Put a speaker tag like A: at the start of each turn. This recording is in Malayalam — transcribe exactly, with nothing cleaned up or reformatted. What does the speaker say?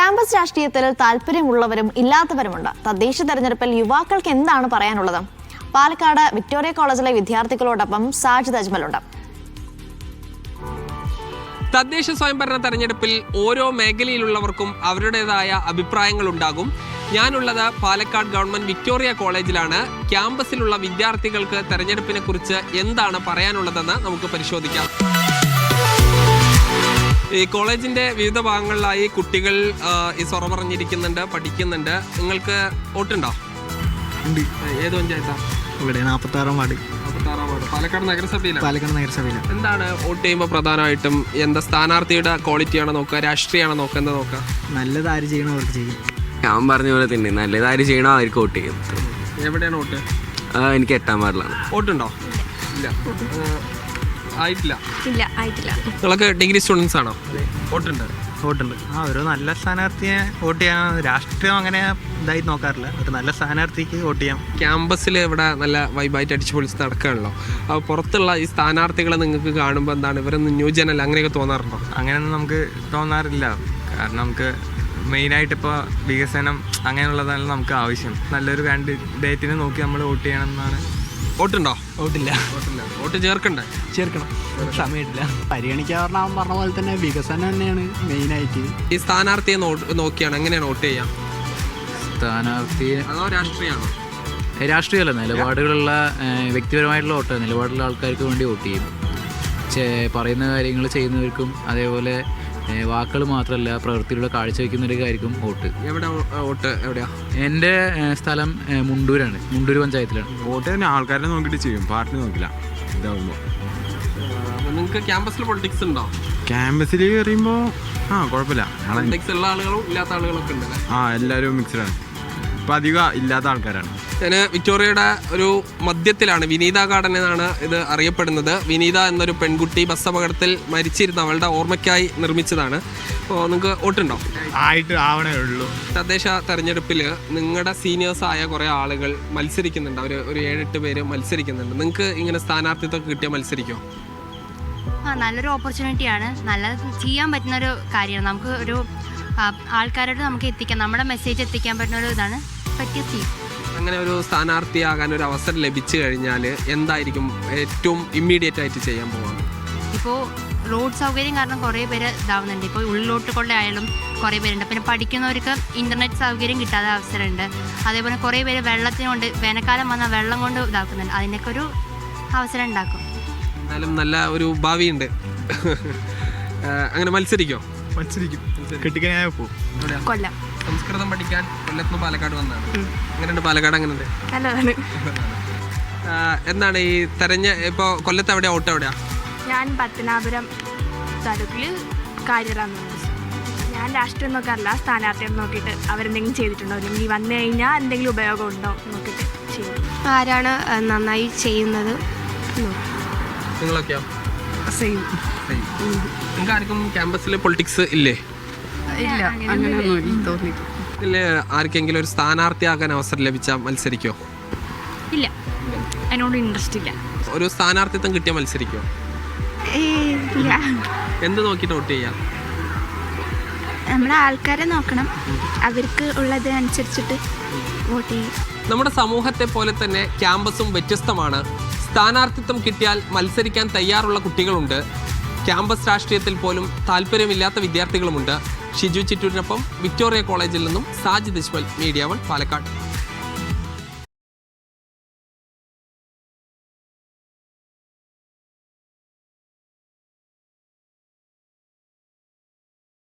A: ക്യാമ്പസ് രാഷ്ട്രീയത്തിൽ താല്പര്യമുള്ളവരും ഇല്ലാത്തവരുമുണ്ട്. തദ്ദേശ തെരഞ്ഞെടുപ്പിൽ യുവാക്കൾക്ക് എന്താണ് പറയാനുള്ളത്? പാലക്കാട് വിക്ടോറിയ കോളേജിലെ വിദ്യാർത്ഥികളോടൊപ്പം സാജിദ് അജ്മലുണ്ട്.
B: തദ്ദേശ സ്വയംഭരണ തെരഞ്ഞെടുപ്പിൽ ഓരോ മേഖലയിലുള്ളവർക്കും അവരുടേതായ അഭിപ്രായങ്ങൾ ഉണ്ടാകും. ഞാനുള്ളത് പാലക്കാട് ഗവൺമെന്റ് വിക്ടോറിയ കോളേജിലാണ്. ക്യാമ്പസിലുള്ള വിദ്യാർത്ഥികൾക്ക് തെരഞ്ഞെടുപ്പിനെ കുറിച്ച് എന്താണ് പറയാനുള്ളതെന്ന് നമുക്ക് പരിശോധിക്കാം. ഈ കോളേജിന്റെ വിവിധ ഭാഗങ്ങളിലായി കുട്ടികൾ ഈ സൊറ പറഞ്ഞിരിക്കുന്നുണ്ട്, പഠിക്കുന്നുണ്ട്. നിങ്ങൾക്ക് വോട്ടുണ്ടോ? ഏത് പഞ്ചായത്താണ്?
C: ഇവിടെ നാൽപ്പത്താറാം വാർഡ്.
B: നാൽപ്പത്താറാം വാർഡ് പാലക്കാട് നഗരസഭയിലാണ്.
C: പാലക്കാട് നഗരസഭയിലാണ്.
B: എന്താണ് വോട്ട് ചെയ്യുമ്പോൾ പ്രധാനമായിട്ടും എന്താ സ്ഥാനാർത്ഥിയുടെ ക്വാളിറ്റിയാണോ നോക്കുക, രാഷ്ട്രീയമാണോ നോക്കുക, എന്താ നോക്കുക?
C: നല്ലത് ആര് ചെയ്യണോ അവർക്ക് ചെയ്യും.
D: ഞാൻ പറഞ്ഞ പോലെ തന്നെ നല്ലത് ആര് ചെയ്യണോ അവർക്ക് വോട്ട് ചെയ്യും.
B: എവിടെയാണ് വോട്ട്?
D: എനിക്ക് എട്ടാം വാർഡിലാണ്.
B: വോട്ടുണ്ടോ? ഇല്ല, ആയിട്ടില്ല.
E: ഇല്ല ആയിട്ടില്ല.
B: നിങ്ങളൊക്കെ ഡിഗ്രി സ്റ്റുഡൻസ് ആണോ? വോട്ടുണ്ട്.
C: വോട്ടുണ്ട്. ആ ഒരു നല്ല സ്ഥാനാർത്ഥിയെ വോട്ട് ചെയ്യാൻ രാഷ്ട്രീയം അങ്ങനെ ഇതായി നോക്കാറില്ല. ഒരു നല്ല സ്ഥാനാർത്ഥിക്ക് വോട്ട് ചെയ്യാം.
B: ക്യാമ്പസിൽ ഇവിടെ നല്ല വൈബായിട്ട് അടിച്ചു പൊളിച്ച് നടക്കുകയാണല്ലോ. അപ്പോൾ പുറത്തുള്ള ഈ സ്ഥാനാർത്ഥികളെ നിങ്ങൾക്ക് കാണുമ്പോൾ എന്താണ് ഇവരൊന്നും ന്യൂജനല്ല അങ്ങനെയൊക്കെ തോന്നാറുണ്ടോ?
F: അങ്ങനെയൊന്നും നമുക്ക് തോന്നാറില്ല. കാരണം നമുക്ക് മെയിനായിട്ട് ഇപ്പോൾ വികസനം അങ്ങനെയുള്ളതാണ് നമുക്ക് ആവശ്യം. നല്ലൊരു കാൻഡിഡേറ്റിനെ നോക്കി നമ്മൾ വോട്ട് ചെയ്യണം എന്നാണ്.
B: വോട്ടുണ്ടോ?
C: വോട്ടില്ല.
B: വോട്ടില്ല. വോട്ട് ചേർക്കണ്ടേ?
C: ചേർക്കണം. സമയമില്ല. പരിഗണിക്കാറ് അവൻ പറഞ്ഞ പോലെ തന്നെ വികസനം തന്നെയാണ് മെയിനായിട്ട്.
B: ഈ സ്ഥാനാർത്ഥിയെ നോക്കിയാണ് എങ്ങനെയാണ് വോട്ട് ചെയ്യാം?
G: സ്ഥാനാർത്ഥിയെ
B: അതോ രാഷ്ട്രീയമാണോ?
G: രാഷ്ട്രീയമല്ല, നിലപാടുകളുള്ള വ്യക്തിപരമായിട്ടുള്ള വോട്ട്. നിലപാടുള്ള ആൾക്കാർക്ക് വേണ്ടി വോട്ട് ചെയ്യും. പറയുന്ന കാര്യങ്ങൾ ചെയ്യുന്നവർക്കും അതേപോലെ വാക്കുകൾ മാത്രമല്ല പ്രവൃത്തിയിലൂടെ കാഴ്ചവെക്കുന്നവർക്കായിരിക്കും വോട്ട്.
B: എവിടെ വോട്ട്? എവിടെയാ?
G: എൻ്റെ സ്ഥലം മുണ്ടൂരാണ്. മുണ്ടൂർ പഞ്ചായത്തിലാണ്.
F: വോട്ട് തന്നെ ആൾക്കാരെ നോക്കിയിട്ട് ചെയ്യും, പാർട്ടി നോക്കില്ല. ഇതാവുമ്പോൾ
B: നിങ്ങൾക്ക് ക്യാമ്പസിൽ പൊളിറ്റിക്സ് ഉണ്ടോ?
F: ക്യാമ്പസിൽ കയറിയുമ്പോൾ ആ കുഴപ്പമില്ല.
B: പൊളിറ്റിക്സ് ഉള്ള ആളുകളും ഇല്ലാത്ത ആളുകളൊക്കെ ഉണ്ടല്ലേ?
F: ആ എല്ലാവരും മിക്സ്ഡാണ്. ഇപ്പം അധികം ഇല്ലാത്ത ആൾക്കാരാണ്.
B: ഞാൻ വിക്ടോറിയയുടെ ഒരു മധ്യത്തിലാണ്. വിനീത ഗാർഡൻ എന്നാണ് ഇത് അറിയപ്പെടുന്നത്. വിനീത എന്നൊരു പെൺകുട്ടി ബസ് അപകടത്തിൽ മരിച്ചിരുന്ന അവളുടെ ഓർമ്മയ്ക്കായി നിർമ്മിച്ചതാണ്. അപ്പോൾ നിങ്ങൾക്ക് വോട്ടുണ്ടോ?
F: ആയിട്ട് ആവണേ ഉള്ളൂ.
B: തദ്ദേശ തെരഞ്ഞെടുപ്പിൽ നിങ്ങളുടെ സീനിയേഴ്സായ കുറേ ആളുകൾ മത്സരിക്കുന്നുണ്ട്. അവർ ഒരു ഏഴെട്ട് പേര് മത്സരിക്കുന്നുണ്ട്. നിങ്ങൾക്ക് ഇങ്ങനെ സ്ഥാനാർത്ഥിത്വം കിട്ടിയാൽ മത്സരിക്കുമോ?
E: ആ നല്ലൊരു ഓപ്പർച്യൂണിറ്റിയാണ്. നല്ല ചെയ്യാൻ പറ്റുന്നൊരു കാര്യമാണ്. നമുക്ക് ഒരു ആൾക്കാരോട് നമുക്ക് എത്തിക്കാം, നമ്മുടെ മെസ്സേജ് എത്തിക്കാൻ പറ്റുന്ന ഒരു ഇതാണ് പറ്റിയ സീ.
B: അങ്ങനെ ഒരു സ്ഥാനാർത്ഥിയാകാൻ ഒരു അവസരം ലഭിച്ചു കഴിഞ്ഞാൽ എന്തായിരിക്കും ഏറ്റവും ഇമ്മീഡിയറ്റ് ആയിട്ട് ചെയ്യാൻ പോകുന്നത്?
E: ഇപ്പോൾ റോഡ് സൗകര്യം കാരണം കുറേ പേര് ഇതാവുന്നുണ്ട്. ഇപ്പോൾ ഉള്ളിലോട്ട് കൊണ്ടായാലും കുറേ പേരുണ്ട്. പിന്നെ പഠിക്കുന്നവർക്ക് ഇൻ്റർനെറ്റ് സൗകര്യം കിട്ടാത്ത അവസരമുണ്ട്. അതേപോലെ കുറേ പേര് വെള്ളത്തിനുകൊണ്ട് വേനൽക്കാലം വന്നാൽ വെള്ളം കൊണ്ട് ഇതാക്കുന്നുണ്ട്. അതിനൊക്കെ ഒരു അവസരം ഉണ്ടാക്കും.
B: എന്നാലും നല്ല ഒരു ഭാവിയുണ്ട്. അങ്ങനെ മത്സരിക്കോ?
F: മത്സരിക്കും. കിട്ടിക്കഴിഞ്ഞാൽ പോകും.
E: കൊല്ലം.
B: സംസ്കൃതം പഠിക്കാൻ കൊല്ലത്ത് നിന്ന് പാലക്കാട് വന്നതാണ്. എങ്ങനെയുണ്ട് പാലക്കാട്? എങ്ങനെയുണ്ട്?
E: നല്ലതാണ്.
B: എന്താണ് ഈ തെരഞ്ഞ ഇപ്പോൾ കൊല്ലത്ത് എവിടെയാ വോട്ട്? എവിടെയാ?
H: ഞാൻ പത്തനാപുരം താലൂക്കിൽ കാര്യറാന്ന്. ഞാൻ രാഷ്ട്രീയം നോക്കാറില്ല, സ്ഥാനാർത്ഥിയെ നോക്കിയിട്ട് അവരെന്തെങ്കിലും ചെയ്തിട്ടുണ്ടോ അല്ലെങ്കിൽ വന്നു കഴിഞ്ഞാൽ എന്തെങ്കിലും ഉപയോഗം ഉണ്ടോ നോക്കിയിട്ട് ചെയ്യും.
E: ആരാണ് നന്നായി ചെയ്യുന്നത്?
B: നിങ്ങളൊക്കെയോ?
H: സെയിം.
B: നിങ്ങൾക്ക് ആർക്കും ക്യാമ്പസിൽ പൊളിറ്റിക്സ് ഇല്ലേ?
H: ഇല്ല, അങ്ങനെയൊന്നും തോന്നി.
B: ഇല്ലേ? ആർക്കെങ്കിലും ഒരു സ്ഥാനാർത്ഥിയാകാൻ അവസരം ലഭിച്ചാൽ മത്സരിക്കോ?
H: ഇല്ല, അതിനോട് ഇൻട്രസ്റ്റ് ഇല്ല.
B: ഒരു സ്ഥാനാർത്ഥിത്വം കിട്ടിയാൽ മത്സരിക്കോ?
H: ഇല്ല.
B: എന്ത് നോക്കിയിട്ട് വോട്ട് ചെയ്യാം?
H: നമ്മുടെ ആൾക്കാരെ നോക്കണം, അവർക്ക് ഉള്ളത് അനുസരിച്ചിട്ട് വോട്ട് ചെയ്യും.
B: നമ്മുടെ സമൂഹത്തെ പോലെ തന്നെ ക്യാമ്പസും വ്യത്യസ്തമാണ്. സ്ഥാനാർത്ഥിത്വം കിട്ടിയാൽ മത്സരിക്കാൻ തയ്യാറുള്ള കുട്ടികളുണ്ട്. ക്യാമ്പസ് രാഷ്ട്രീയത്തിൽ പോലും താല്പര്യമില്ലാത്ത വിദ്യാർത്ഥികളുമുണ്ട്. ഷിജു ചിറ്റൂരിനൊപ്പം വിക്ടോറിയ കോളേജിൽ നിന്നും സാജിദ് അജ്മൽ, മീഡിയ വൺ, പാലക്കാട്.